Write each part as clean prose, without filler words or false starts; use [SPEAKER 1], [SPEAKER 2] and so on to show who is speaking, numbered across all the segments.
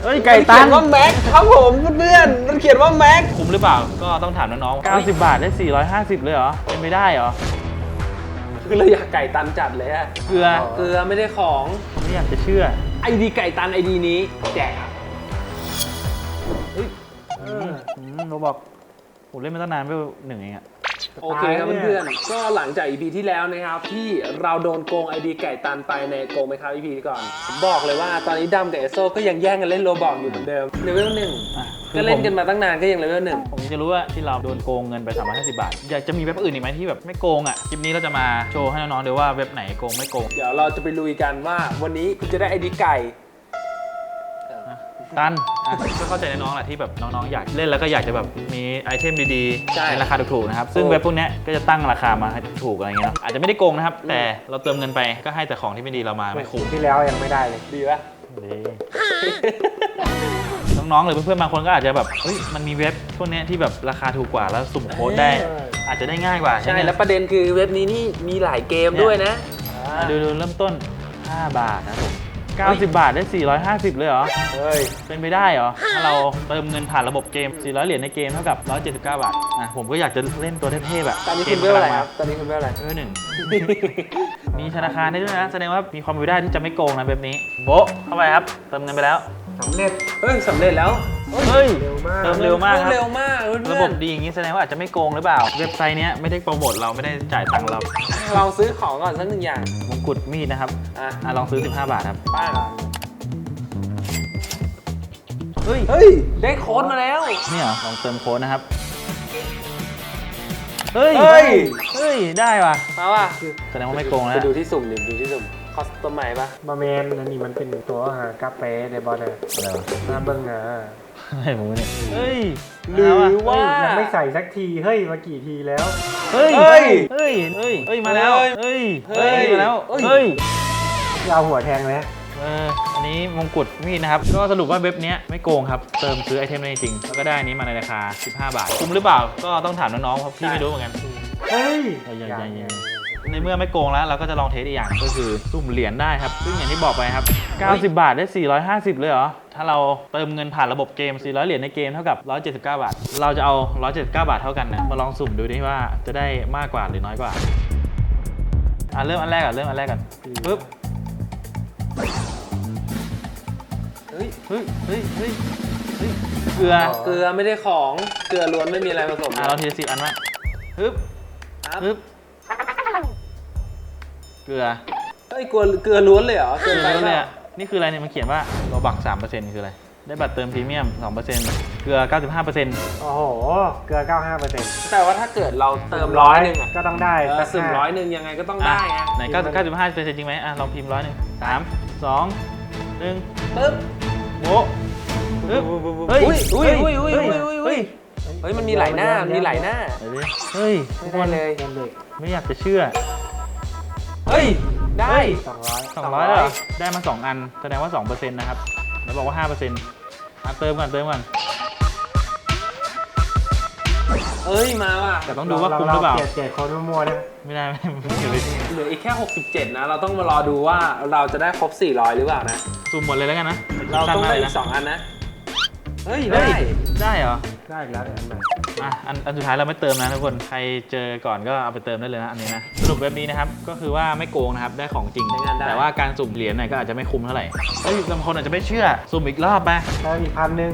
[SPEAKER 1] เฮ้ยไก่ตัน
[SPEAKER 2] เขียนว่าแม็กครับผมเพื่อนมันเขียนว่าแม็ก
[SPEAKER 1] คุ้มหรือเปล่าก็ต้องถามน้องๆ90 บาทได้450เลยเหรอเป็นไม่ได้เหรอ
[SPEAKER 2] คือเราอยากไก่ตันจัดเลยอะ
[SPEAKER 1] เกลือ
[SPEAKER 2] เกลือไม่ได้ของ
[SPEAKER 1] ไม่อยากจะเชื่อ
[SPEAKER 2] ไอดีไก่ตันไอดีนี้แจกครับ
[SPEAKER 1] โรบอกผมเล่นมาตั้งนานไม่หนึ่งเองอะ
[SPEAKER 2] โอเคครับเพื่อนๆก็หลังจาก EP ที่แล้วนะครับที่เราโดนโกงไอดีไก่ตันไปในโกงไหมครับ EP ก่อนผมบอกเลยว่าตอนนี้ดำกับเอโซก็ยังแย่งกันเล่นโรบอกอยู่เหมือนเดิมเลเวลหนึ่ง ก็เล่นกันมาตั้งนานก็ยังเลเวลหนึ่ง
[SPEAKER 1] ผมจะรู้ว่าที่เราโดนโกงเงินไป350 บาทอยากจะมีเว็บอื่นอีกไหมที่แบบไม่โกงอ่ะคลิปนี้เราจะมาโชว์ให้น้องๆดูว่าเว็บไหนโกงไม่โกง
[SPEAKER 2] เดี๋ยวเราจะไปลุยกันว่าวันนี้คุณจะได้ไอดีไก่
[SPEAKER 1] ตันก็เข้าใจน้องๆแหละที่แบบน้องๆอยากเล่นแล้วก็อยากจะแบบมีไอเทมดีๆในราคาถูกๆนะครับซึ่งเว็บพวกนี้ก็จะตั้งราคามาให้ถูกอะไรเงี้ยอาจจะไม่ได้โกงนะครับแต่เราเติมเงินไปก็ให้แต่ของที่ไม่ดีเรามาไม่คุ้ม
[SPEAKER 3] ที่แล้วยังไม่ได้เลย
[SPEAKER 2] ดีปะ
[SPEAKER 1] น้องๆหรือเพื่อนๆบางคนก็อาจจะแบบเฮ้ยมันมีเว็บพวกนี้ที่แบบราคาถูกกว่าแล้วสุ่มโค้ดได้อาจจะได้ง่ายกว่า
[SPEAKER 2] ใช่แล้วประเด็นคือเว็บนี้นี่มีหลายเกมด้วยนะ
[SPEAKER 1] ดูเริ่มต้น5 บาทนะผม90 บาทได้450เลยเหรอ
[SPEAKER 2] เฮ้ย
[SPEAKER 1] เป็นไปได้เหรอถ้าเราเติมเงินผ่านระบบเกม400 เหรียญในเกมเท่ากับ179 บาทผมก็อยากจะเล่นตัวเทพๆแบบ
[SPEAKER 2] ตอนนี้คุณเวลอะไรครับตอนนี้คุณเวลอะไร
[SPEAKER 1] เวล 1 มีธนาคารได้ด้วยนะแสดงว่ามีความเป็นไปได้ที่จะไม่โกงนะแบบนี้โบ๊ะเข้าไปครับเติมเงินไปแล้ว
[SPEAKER 3] สำเร็จ
[SPEAKER 2] เฮ้ยสำเร็จแล้ว
[SPEAKER 1] เฮ้ย
[SPEAKER 3] เร็วมาก
[SPEAKER 1] เติมเร็วมากครับ
[SPEAKER 2] เร็วมากเพื่อนๆ
[SPEAKER 1] ระบบดีอย่างนี้แสดงว่าอาจจะไม่โกงหรือเปล่าเว็บไซต์เนี้ยไม่ได้โปรโมทเราไม่ได้จ่ายตังค์เรา
[SPEAKER 2] ลองซื้อของก่อนสักหนึ่งอย่าง
[SPEAKER 1] มงกุฎมีดนะครับ
[SPEAKER 2] อ่ะ
[SPEAKER 1] ลองซื้อ15 บาทครับ
[SPEAKER 2] ป้า
[SPEAKER 1] เฮ้ย
[SPEAKER 2] เฮ้ยได้โค้ดมาแล้ว
[SPEAKER 1] นี่เหรอลองเติมโค้ดนะครับเฮ้ย
[SPEAKER 2] เฮ้ย
[SPEAKER 1] เฮ้ยได้ว่ะ
[SPEAKER 2] มาว่ะ
[SPEAKER 1] แสดงว่าไม่โกง
[SPEAKER 2] ไป
[SPEAKER 1] แล้ว
[SPEAKER 2] ดูที่สุ่มดิดูที่สุ่มคอสตอมใหม่ปะ
[SPEAKER 3] บะเมนอันนี้มันเป็นตัวหากาแฟในบอลเลย
[SPEAKER 1] อะไรวะ
[SPEAKER 3] น้ำเบิ้งอ่ะ
[SPEAKER 1] อะไรผมเนี่ยเฮ้ย
[SPEAKER 2] หรือว่า
[SPEAKER 3] ยังไม่ใส่สักที เฮ้ย มากี่ทีแล้ว
[SPEAKER 1] เฮ้ย
[SPEAKER 2] เฮ้ย
[SPEAKER 1] เฮ้ยเฮ้ยเฮ้ยมาแล้ว
[SPEAKER 2] เฮ้ย
[SPEAKER 1] เฮ้ย
[SPEAKER 2] เฮ้ย
[SPEAKER 1] มาแล้ว
[SPEAKER 2] เฮ้ย
[SPEAKER 1] เฮ้ย
[SPEAKER 3] ยาวหัวแทงเลย
[SPEAKER 1] อันนี้มงกุฎมีดนะครับก็สรุปว่าเว็บเนี้ยไม่โกงครับเติมซื้อไอเทมได้จริงแล้วก็ได้อันนี้มาในราคา15 บาทคุ้มหรือเปล่าก็ต้องถามน้องๆเพราะพี่ไม่รู้เหมือนกัน
[SPEAKER 3] เฮ้ย
[SPEAKER 1] ยังในเมื่อไม่โกงแล้วเราก็จะลองเทสอีกอย่างก็คือสุ่มเหรียญได้ครับซึ่งอย่างที่บอกไปครับ90 บาทได้450เลยเหรอถ้าเราเติมเงินผ่านระบบเกม400 เหรียญในเกมเท่ากับ179 บาทเราจะเอา179 บาทเท่ากันนะมาลองสุ่มดูดิว่าจะได้มากกว่าหรือน้อยกว่าเริ่มอันแรกก่อนปึ๊บเฮ้ยเกลือ
[SPEAKER 2] เกลือไม่ได้ของเกลือล้วนไม่มีอะไรผสม
[SPEAKER 1] เราทีละ10 อันวะปึ๊บ
[SPEAKER 2] ครับ
[SPEAKER 1] ปึ๊บเกลือ
[SPEAKER 2] เฮ้ยเกลือล้วนเลยเหรอเกลือ
[SPEAKER 1] เก
[SPEAKER 2] ไป
[SPEAKER 1] ลือ
[SPEAKER 2] เป
[SPEAKER 1] เลย
[SPEAKER 2] ล่า
[SPEAKER 1] อ่ะนี่คืออะไรเนี่ยมันเขียนว่าโลบัก 3% คืออะไรได้บัตรเติมพรีเมียม 2%เกลือ 95%
[SPEAKER 3] โอ้โห เกลือ 95%
[SPEAKER 2] แต่ว่าถ้าเกิดเราเติม100นึงอ่ะ
[SPEAKER 3] ก็ต้องได้
[SPEAKER 2] แต่สุ่ม100นึงยังไงก็ต้องได้อะ
[SPEAKER 1] ไหน95% จริงไหมลองพิมพ์100 3 2 1
[SPEAKER 2] ปึ๊บ
[SPEAKER 1] โบ๊ะปึ๊บ
[SPEAKER 2] อุ้ยเฮ้ยมันมีหลายหน้ามันมีหลายหน้า
[SPEAKER 1] เฮ้ย
[SPEAKER 2] ไม่ได้เลย
[SPEAKER 1] ไม่อยากจะเชื่อ
[SPEAKER 2] เฮ้ยได้
[SPEAKER 3] 200
[SPEAKER 1] 200แล้วเหรอได้มา 2 อันแสดงว่า 2% นะครับแล้วบอกว่า 5%เติมก่อน
[SPEAKER 2] เอ้ยมาว่ะ
[SPEAKER 1] แต่ต้องดูว่าคุ้มหรือเปล่า
[SPEAKER 3] เปลี่ยนโค้ดมั่วๆนะ
[SPEAKER 1] ไม่ได้เกี่ยวเลย
[SPEAKER 2] เหลืออีกแค่67นะเราต้องมารอดูว่าเราจะได้ครบ400หรือเปล่านะ
[SPEAKER 1] ซูมหมดเลยแล้วกันนะ
[SPEAKER 2] เราต้องได้อี
[SPEAKER 1] นะ
[SPEAKER 2] ก2อันนะเฮ้ย
[SPEAKER 1] ได้
[SPEAKER 2] ได้
[SPEAKER 1] ได้เหรอ
[SPEAKER 3] ได้อีกแล้วเดี๋ยวอันใหม่
[SPEAKER 1] อันสุดท้ายเราไม่เติมนะทุกคน ใครเจอก่อนก็เอาไปเติมได้เลยนะอันนี้นะ สรุปเว็บนี้นะครับ ก็คือว่าไม่โกงนะครับ ได้ของจริง แต่ว่าการสุ่มเหรียญเนี่ยก็อาจจะไม่คุ้มเท่าไหร่เฮ้ยบางคนอาจจะไม่เชื่อ สุ่มอีกรอบไป
[SPEAKER 3] ได้อีก1,000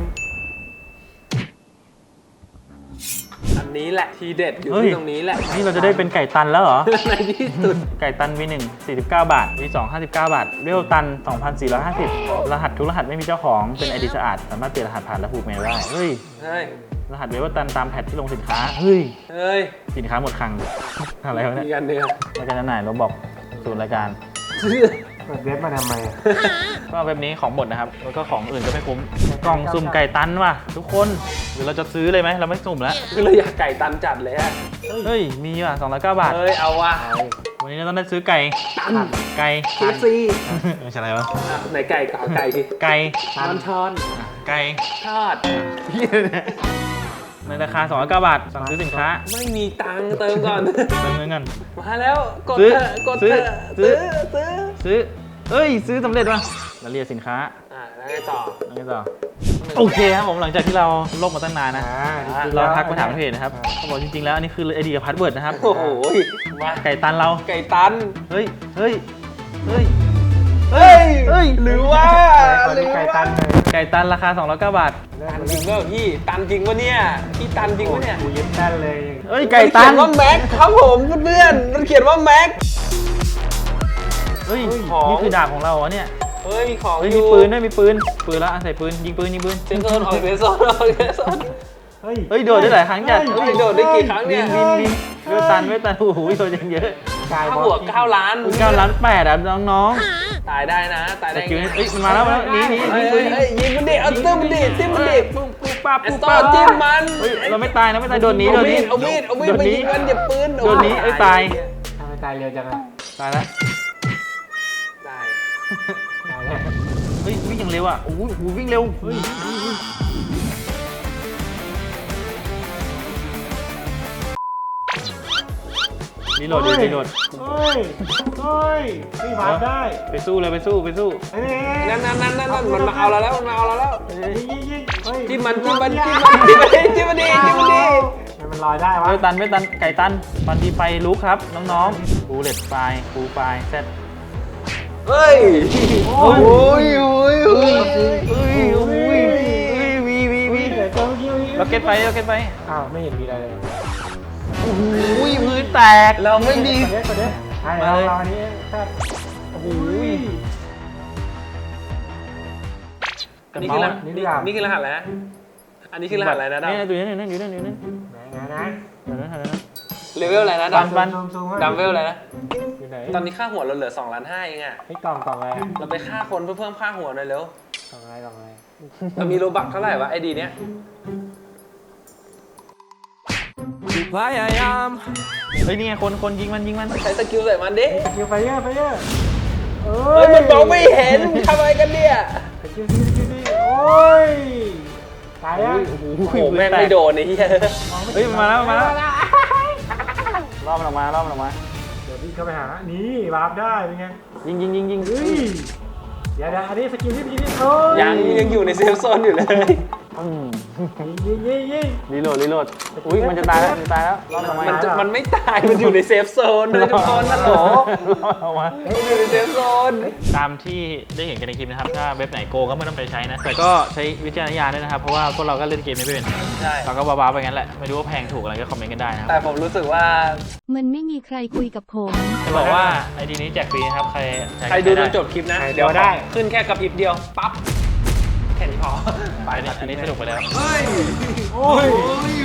[SPEAKER 2] อันนี้แหละทีเด็ดอยู่
[SPEAKER 1] เฮ้ย
[SPEAKER 2] ที่ตรงนี้แหละ
[SPEAKER 1] นี่เราจะได้เป็นไก่ตันแล้วเหรอ
[SPEAKER 2] ในที่สุด
[SPEAKER 1] ไก่ตัน V1 49 บาท V2 59 บาท เรียวตัน 2,450 รหัสทุกรหัสไม่มีเจ้าของเป็นไอดีสะอาด สามารถเปลี่ยนรหัสผ่านและผูกเมลได้ เฮ้ย
[SPEAKER 2] เฮ้ย
[SPEAKER 1] รหัสเวลตันตามแพทที่ลงสินค้า เฮ้ย
[SPEAKER 2] เฮ้ย
[SPEAKER 1] สินค้าหมดคลัง อะไรวะเนี่ย
[SPEAKER 2] มีกันเนื้อ
[SPEAKER 1] รายการจำหน่ายเราบอกศูนย์รายการ
[SPEAKER 3] เปิดเว็บมาทำไมอะ
[SPEAKER 1] ก็เว็บนี้ของหมดนะครับ แล้วก็ของอื่นก็ไม่คุ้ม กล่องสุ่มไก่ตันว่ะทุกคน หรือเราจะซื้อเลยไหม เราไม่สุ่มแล้ว
[SPEAKER 2] คือเราอยากไก่ตันจัดเลยอะ
[SPEAKER 1] เฮ้ย มีว่ะ209 บาท
[SPEAKER 2] เฮ้ยเอาว่ะ
[SPEAKER 1] วันนี้เราต้องได้ซื้อไก่
[SPEAKER 2] ตัน
[SPEAKER 1] ไก่
[SPEAKER 2] KFC
[SPEAKER 1] ไม่ใช่อะไรวะ
[SPEAKER 2] อ่ะไหนไก่ก่อนไก่ดิ
[SPEAKER 1] ไก่
[SPEAKER 2] ช้อน
[SPEAKER 1] ไก่
[SPEAKER 2] ทอด
[SPEAKER 1] ในราคา209 บาท สั่งซื้อสินค้า
[SPEAKER 2] ไม่มีตังค์เติมก่อน
[SPEAKER 1] เติมเงินกัน
[SPEAKER 2] มาแล้วกด
[SPEAKER 1] ซื้อ
[SPEAKER 2] เถอะกด
[SPEAKER 1] ซื้
[SPEAKER 2] เถ
[SPEAKER 1] อ
[SPEAKER 2] อะ
[SPEAKER 1] ซื้อ
[SPEAKER 2] ซื้อ
[SPEAKER 1] ซื้อ เอ้ย ซื้อสำเร็จว่ะรายละเอียดสินค้า
[SPEAKER 2] แล้วไงต่อ
[SPEAKER 1] แล้วไงต่อโอเคครับผมหลังจากที่เราลบมาตั้งนานนะ
[SPEAKER 3] จริงๆ
[SPEAKER 1] เรา
[SPEAKER 3] แล้ว
[SPEAKER 1] ทักไปถามเพจนะครับเขาบอกจริงๆแล้วอันนี้คือไอเดียกับพาสเวิร์ดนะครับ
[SPEAKER 2] โอ้โหมา
[SPEAKER 1] ไก่ตันเรา
[SPEAKER 2] ไก่ตัน
[SPEAKER 1] เฮ้ยเฮ้ยเฮ้ย
[SPEAKER 2] เฮ้ย
[SPEAKER 1] เฮ้ย
[SPEAKER 2] หรือว่า
[SPEAKER 3] คนนี้ไก่ตันเลย
[SPEAKER 1] ไก่ตันราคา209 บาท
[SPEAKER 2] ตันจริงเปล่าพี่ตันจริงปะเนี่ยพี่ตันจริงปะเนี่ย
[SPEAKER 3] กูยึดแน่นเลย
[SPEAKER 1] เฮ้ยไก่ตัน
[SPEAKER 2] มันเขียนว่าแม็กครับผมเพื่อนๆมันเขียนว่าแม็ก
[SPEAKER 1] เฮ้ย
[SPEAKER 2] ของ
[SPEAKER 1] นี่คือดาบของเราเหรอเนี่ย
[SPEAKER 2] เฮ้ยมีของ
[SPEAKER 1] เฮ้ย
[SPEAKER 2] อ
[SPEAKER 1] มี
[SPEAKER 2] ยู่
[SPEAKER 1] ปืนด้วยมีปืนแล้วใส่ปืนยิงปืน
[SPEAKER 2] เซนโซนออกเซนโซนออกเซนโซน
[SPEAKER 3] เฮ้ย
[SPEAKER 1] เฮ้ยโดดได้หลายครั้งจัด
[SPEAKER 2] เฮ้ยโดดได้กี่ครั้งเนี่ย
[SPEAKER 1] วินเวทตันโอ้โหโดดยังเยอะ
[SPEAKER 3] กาย
[SPEAKER 2] ค่า
[SPEAKER 3] บอ
[SPEAKER 2] หัว
[SPEAKER 3] ล
[SPEAKER 2] 9 ล้าน
[SPEAKER 1] 9 ล้าน8อ่ะน้อง
[SPEAKER 2] ตายได้นะตาย
[SPEAKER 1] ๆ
[SPEAKER 2] ได้
[SPEAKER 1] สกิลเฮ้ยมันมาแล้วหนี
[SPEAKER 2] เฮ้ย
[SPEAKER 1] ปืน
[SPEAKER 2] เฮ้ยยิงมันดิเอาติ้มมันดิติ้มมันดิ
[SPEAKER 1] ปุ๊บปั๊บ
[SPEAKER 2] เอส
[SPEAKER 1] ปุ๊บ
[SPEAKER 2] โต้
[SPEAKER 1] ปั๊บ
[SPEAKER 2] จิ้มมัน
[SPEAKER 1] เฮ้ยเราไม่ตายนะโดนหนี
[SPEAKER 2] เอามีดไปยิงมันอย่าปืน
[SPEAKER 1] โดนหนีเอ้ยตาย
[SPEAKER 3] ทำไมตายเร็วจังอะ
[SPEAKER 1] ตายแล้ว
[SPEAKER 2] ตาย
[SPEAKER 3] ตายแล้ว
[SPEAKER 1] เฮ้ยวิ่งอย่างเร็วอ่ะโอ้โหวิ่งเร็วเฮ้ยรีโหลด
[SPEAKER 3] เฮ้ย
[SPEAKER 1] รีโหลด
[SPEAKER 3] เฮ้ยนี่ผ่านได้
[SPEAKER 1] ไปสู้เลยไปสู้
[SPEAKER 3] เฮ้ย
[SPEAKER 2] นั่นมันมาเอาเราแล้วมันมาเอาเราแล้ว
[SPEAKER 3] ยิงเฮ้ย
[SPEAKER 2] จิ้มมันจิ้มมันจิ้มมันจิ้มมันจิ้มมันดิจิ้มมันดิ
[SPEAKER 3] มันลอยได้วะ
[SPEAKER 1] ไม่ตันไก่ตันตอนที่ไฟลุกครับน้องๆฟูเลตไฟฟูไฟเซต
[SPEAKER 2] เฮ้ยโอ้ยโอ้ยโอ้ย
[SPEAKER 1] วี
[SPEAKER 3] เดี๋ยวเจ้าเกี้ยว
[SPEAKER 1] ล็อกเก็ตไฟ
[SPEAKER 3] อ้าวไม่เห็นมีอะไรเลย
[SPEAKER 1] อุ้ยพื้นแตก
[SPEAKER 2] เราไม่มี
[SPEAKER 3] กดเด้ใช่เราอันนี้แค่
[SPEAKER 1] โอ้โห
[SPEAKER 2] นี่คือรหัสนี่คือรหัสอะไรนะอันนี้คือรหัสอะไรนะดำ
[SPEAKER 1] นี่อยู่นั่น
[SPEAKER 3] ไหนนะ
[SPEAKER 2] เลเวลอะไรนะดำ
[SPEAKER 1] บัน
[SPEAKER 3] ซูม
[SPEAKER 2] ดำเวลอะไรนะ
[SPEAKER 3] อยู่ไหน
[SPEAKER 2] ตอนนี้ค่าหัวเราเหลือ2.5 ล้านเองอะ
[SPEAKER 3] ไอ้กล่องอะไร
[SPEAKER 2] เราไปฆ่าคนเพื่อเพิ่มค่าหัวหน่อยเร็ว
[SPEAKER 3] กล่องอะไร
[SPEAKER 2] เรามีโลบักเท่าไหร่วะไอดีเนี้ย
[SPEAKER 1] เฮ้ยนี่ไงคนยิงมัน
[SPEAKER 2] ใช้สกิลใส่มันดิ
[SPEAKER 3] สกิลไฟเยอร์เอ้
[SPEAKER 2] เฮ้ยมันมองไม่เห็นทำอะไรกันเนี่ย
[SPEAKER 3] สกิลดีโอ้ยตายอ่ะ
[SPEAKER 2] โอ้โหแม่งไม่โดนไอ้เหี้ย
[SPEAKER 1] เฮ้ยมาแล้วรอบมันออกมา
[SPEAKER 3] เดี๋ยววิ่งเข้าไปหานี่วาร์ปได้เป็นไง
[SPEAKER 1] ยิง
[SPEAKER 3] เฮ้ยเดี๋ยวอันนี้สกิลที่โอ้ย
[SPEAKER 2] ยังอยู่ในเซฟโซนอยู่เลย
[SPEAKER 3] ยิง
[SPEAKER 1] รีโหลดอุ้ยมันจะตายแล้วรอบมัน
[SPEAKER 2] มันไม่ตายมันอยู่ในเซฟโซนเลยทุกคนนะโหล
[SPEAKER 1] ออกมา
[SPEAKER 2] มันอยู่ในเซฟโซน
[SPEAKER 1] ตามที่ได้เห็นกันในคลิปนะครับ ถ้าเว็บไหนโกงก็ไม่ต้องไปใช้นะ แต่ก็ใช้วิจารณญาณด้วยนะครับ เพราะว่าพวกเราก็เล่นเกมไม่เป็น
[SPEAKER 2] ใช่
[SPEAKER 1] เราก็บ้าๆไปงั้นแหละ ไม่รู้ว่าแพงถูกอะไรก็คอมเมนต์กันได้นะครับ
[SPEAKER 2] แต่ผมรู้สึกว่า
[SPEAKER 4] มันไม่มีใครคุยกับผม
[SPEAKER 1] จะบอกว่าไอดีนี้แจกฟรีนะครับ ใคร
[SPEAKER 2] ใครดูจนจบคลิปนะ
[SPEAKER 3] เดี๋ยวได้
[SPEAKER 2] ขึ้นแค่กระพริบเดียวปั๊บแค่นี้พอ
[SPEAKER 1] อันนี้สนุกไปแล้ว
[SPEAKER 3] โอ้ย